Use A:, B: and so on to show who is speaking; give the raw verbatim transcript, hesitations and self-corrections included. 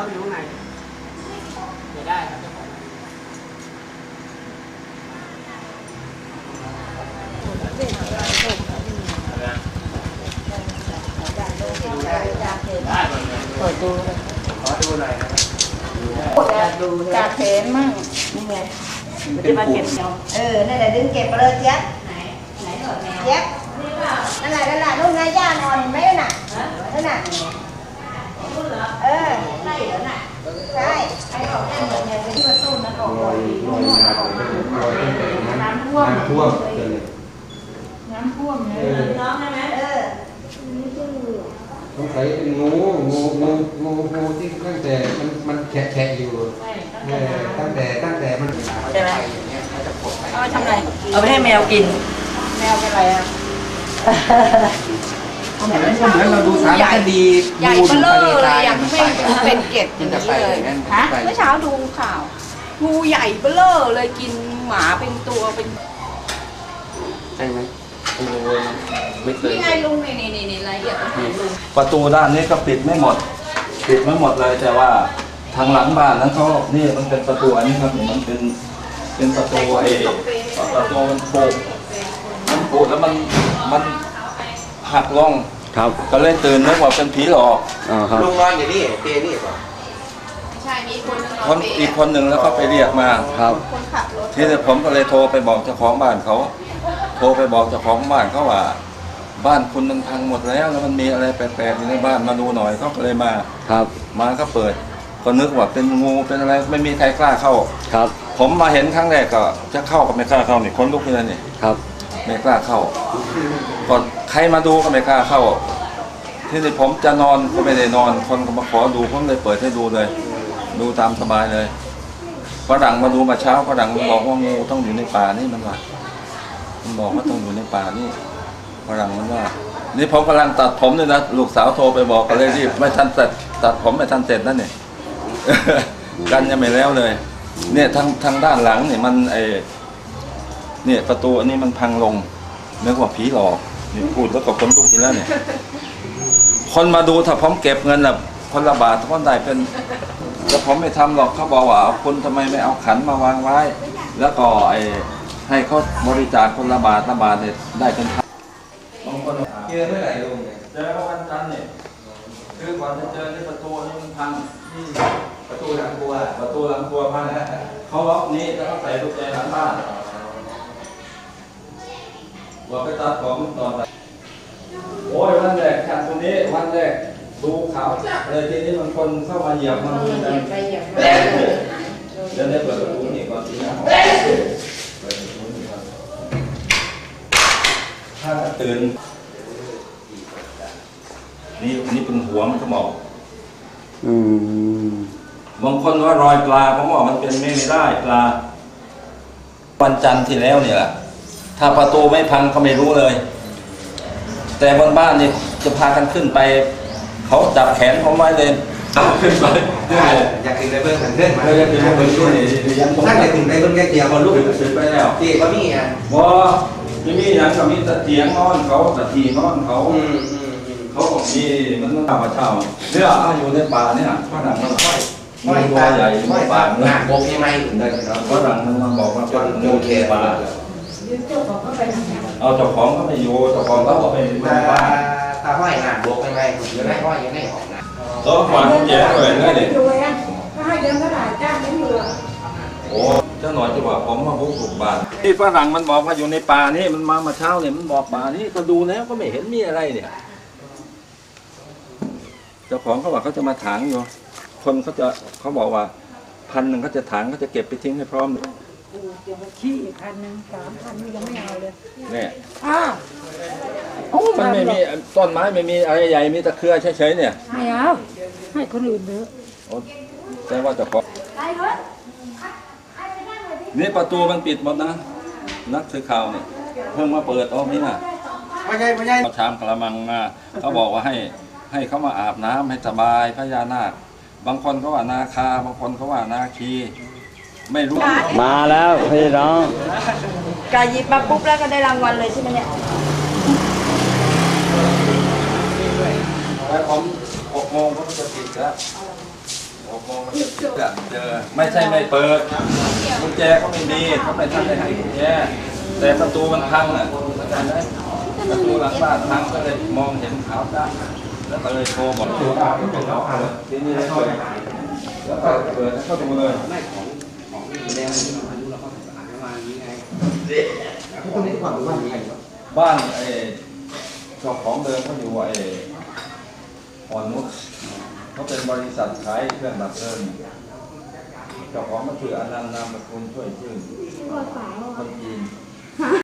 A: ครับอยู่ข้างในไม่ได้ครับเจ้าของ
B: เปิดดูเลยขอดูหน่อยนะดูจากแขนมั่งนี่ไงมันจะมาเก็บเนาะเออนั่นแหละดึงเก็บไปเลยเจี๊ยบไหนไหนหนวดแมวเจี๊ยบนี่เปล่านั่นแหละนั่นแหละลูกนายย่านอนเห็นไหมน่ะนั่นน่ะเออใช่เหรอน่ะใช่ไอ้ออกได้เหมือนเนี่ยที่ประตูนั่นออกลอยลอยน้ำท่วมน้ำท่วมน้ำท่วมเลยน้องใช่ไหมเออ
C: สงสัยเป็นงูงูงูงูงูที่ตั้งแต่มันมันแฉะแฉะอยู่ตั้งแต่ตั้งแต่มัน
B: ใช่ไหมเอาไปทำอะไรเอาไปให้แมวกินแมวเป็นอะไรอ่ะ
C: ก็เหมือนก็เหมือนเราดูสารคดี
B: ใหญ่เบ้อเลยอย่างไม่เป็นเกล็ดอย่างนี้เลยฮะเมื่อเช้าดูข่าวงูใหญ่เบ้อเลยกินหมาเป็นตัวเป็น
C: ใช่ไหมไม่เคย
B: นี่ไงลุงนี่นี่นี่นี่รายละเอียดลุง
D: ประตูด้านนี้ก็ปิดไม่หมดปิดไม่หมดเลยแต่ว่าทางหลังบ้านนั้นเขานี่มันเป็นประตูอันนี้ครับมันเป็นเป็นประตูไอ้ประตูมันโผล่มันโผล่แล้วมันมันหักลง
C: ครับ
D: ก็เลยตื่นนึกว่าเป็นผีหลอก
C: ลุงนอนอยู่นี่เตียนี่ป่ะ
B: ใช่มีคนนึง
D: คนอีกคนหนึ่งแล้วก็ไปเรียกมา
C: ครับ
B: คนขับรถ
D: ทีนี้ผมก็เลยโทรไปบอกเจ้าของบ้านเขาโทรไปบอกเจ้าของบ้านเขาว่าบ้านคุณมันพังหมดแล้วแล้วมันมีอะไรแปลกๆอยู่ในบ้านมาดูหน่อยเขาก็เลยมา
C: ครับ
D: มาก็เปิดก็นึกว่าเป็นงูเป็นอะไรไม่มีใครกล้าเข้า
C: ครับ
D: ผมมาเห็นครั้งแรกก็จะเข้าก็ไม่กล้าเข้านี่คนลุกเลยนี่
C: ครับ
D: ไม่กล้าเข้าก่อนใครมาดูก็ไม่กล้าเข้าที่นี่ผมจะนอนก็ไม่ได้นอนคนก็มาขอดูผมเลยเปิดให้ดูเลยดูตามสบายเลยฝรั่งมาดูมาเช้าฝรั่งมันบอกว่างูต้องอยู่ในป่านี่มันว่ามันบอกว่าต้องอยู่ในป่านี่ฝรั่งมันว่านี่ผมกำลังตัดผมเลยนะลูกสาวโทรไปบอกกันเลยรีบไม่ทันเสร็จตัดผมไม่ทันเสร็จนั่นนี่ กันยังไม่แล้วเลยเนี่ยทางทางด้านหลังเนี่ยมันไอเนี่ยประตูอันนี้มันพังลงนึกว่าผีหลอกนี่พูดแล้วก็คนลุกอีกแล้วเนี่ยคนมาดูถ้าผมเก็บเงินแบบคนละบาทคนได้เป็นแต่ผมไม่ทำหรอกเขาบอกว่าคุณทำไมไม่เอาขันมาวางไว้แล้วก็ไอให้เขาบริจาคคนละบาทละบาทเนี่ยได้เป็นพันบางคน
C: เจอเมื่อไหร่ลุง
D: เจอวันจันทร์เนี่ยคือก่อนจะเจอที่ประตูนี่มันพัง
C: ประตูหลังครัว
D: ประตูหลังครัวพังเขาล็อกนี้แล้วก็ใส่กุญแจหลังบ้านว่าไปตัดของตอนไหนโอ้ยวันแรกจากตรงนี้วันแรกดูขาวจั๊เลยทีนี้มันคนเข้ามาเหยียบมาดูกันเดี๋ยวได้เปิดประตูนี่ก่อนทีนะเปิดประตูนี่ก่อนถ้าตื่นนี่นี่เป็นหัวมันก็บอก
C: อืม
D: บางคนว่ารอยปลาผมบอกมันเป็นไม่ได้ปลาวันจันทร์ที่แล้วเนี่ยแหละถ้าประตูไม่พังก็ไม่รู้เลยแต่บนบ้านนี่จะพากันขึ้นไปเขาจับแขนผมไว้เลยขึ้นไป
C: อยากถึงในเบื้องหันเลื่อนมา
D: อยากถึงในเบื้องช่วย
C: ถ้าอยากถึงในเบื้องแก่เดียว
D: ก็ลุกขึ้นไปแล้ว
C: ที่ก็มีอ่ะ
D: บ่ไม่มีอย่างก็มีแต่เตียงนอนเขาแต่ทีนอนเขาเขาบอกมีมันต้องเอามาเช่าเนี่ยอยู่ในป่าเนี่ยฝรั่งมันค่อยมีตัวใหญ่ในป่าห
C: นักบกยังไง
D: ฝรั่งมันมาบอกว่าเป็นงูเคป่าเอาเจ้าของก็ไม่อยู่เจ้าของก็บอกไปบ้าน
C: ตาห้อยหนักบกยังไงอยู่ในห้อยยังไงออกนะ
D: ตัวฝันแย่เลยนะเด็ก
B: ถ้าให้เดินก็ได้จ้างไม่เหลือ
D: โอ้เจ้าหน่อยจะบอกผมมาบุกบุกบ้านที่ฝรั่งมันบอกว่าอยู่ในป่านี่มันมามาเช้าเนี่ยมันบอกป่านี่ก็ดูแล้วก็ไม่เห็นมีอะไรเนี่ยเจ้าของเขาบอกเขาจะมาถางอยู่คนเขาจะเขาบอกว่าพันหนึ่งเขาจะถางเขาจะเก็บไปทิ้งให้พร้อม
B: เดี๋ยวขี้พันหนึ่งสามพันยังไม่เอาเลย
D: เนี่ย
B: อ้าว
D: มันไม่มีต้นไม้ไม่มีอะไรใหญ่มีตะเครือเฉยๆเนี่ย
B: ไม่เอาให้คนอื่นเถอะ
D: แต่ว่าเจ้าของนี่ประตูมันปิดหมดนะนักสื่อข่าวเนี่ยเพิ่งมาเปิดอ๋อไม่น่ะ
C: ไม่ใช่ไม่ใช่
D: เขาชามกระมังมาเขาบอกว่าให้ให้เขามาอาบน้ำให้สบายพญานาคบางคนเขาว่านาคาบางคนเขาว่านาคีไม่รู้
C: มาแล้วพี่น้อง
B: กายหยิบมาปุ๊บแล้วก็ได้รางวัลเลยใช่ไหมเนี่ย
D: แล้วผมหกโมงก็จะปิดแล้วโอ้หกโมงมันจะเจอไม่ใช่ไม่เปิดกุญแจเขาไม่มีเขาไม่ทันได้ให้กุญแจแต่ประตูมันพังอ่ะเข้าใจไหมประตูหลังบ้านพังก็เลยมองเห็นขาวจ้าแล้วก็เลยโทรบอก
C: ตัวอาที่เป็นเราอ่าน
D: ทีนี้เลยเปิดแล้วก็เปิดเข้าดูเลย
A: ไม่ของของแดงที่มันรู้เราก็อ่านมาอย่างนี้ไง
C: ทุกคนนี้ความรู้ว่าอย่างไร
D: บ้านไอ้เจ้าของเดิมเขาอยู่ไอ้อ่อนนุชเขาเป็นบริษัทขายเครื่องดับเพลิงเจ้าของก็คืออนันต์นามสกุลช่วยชื่อคนจีน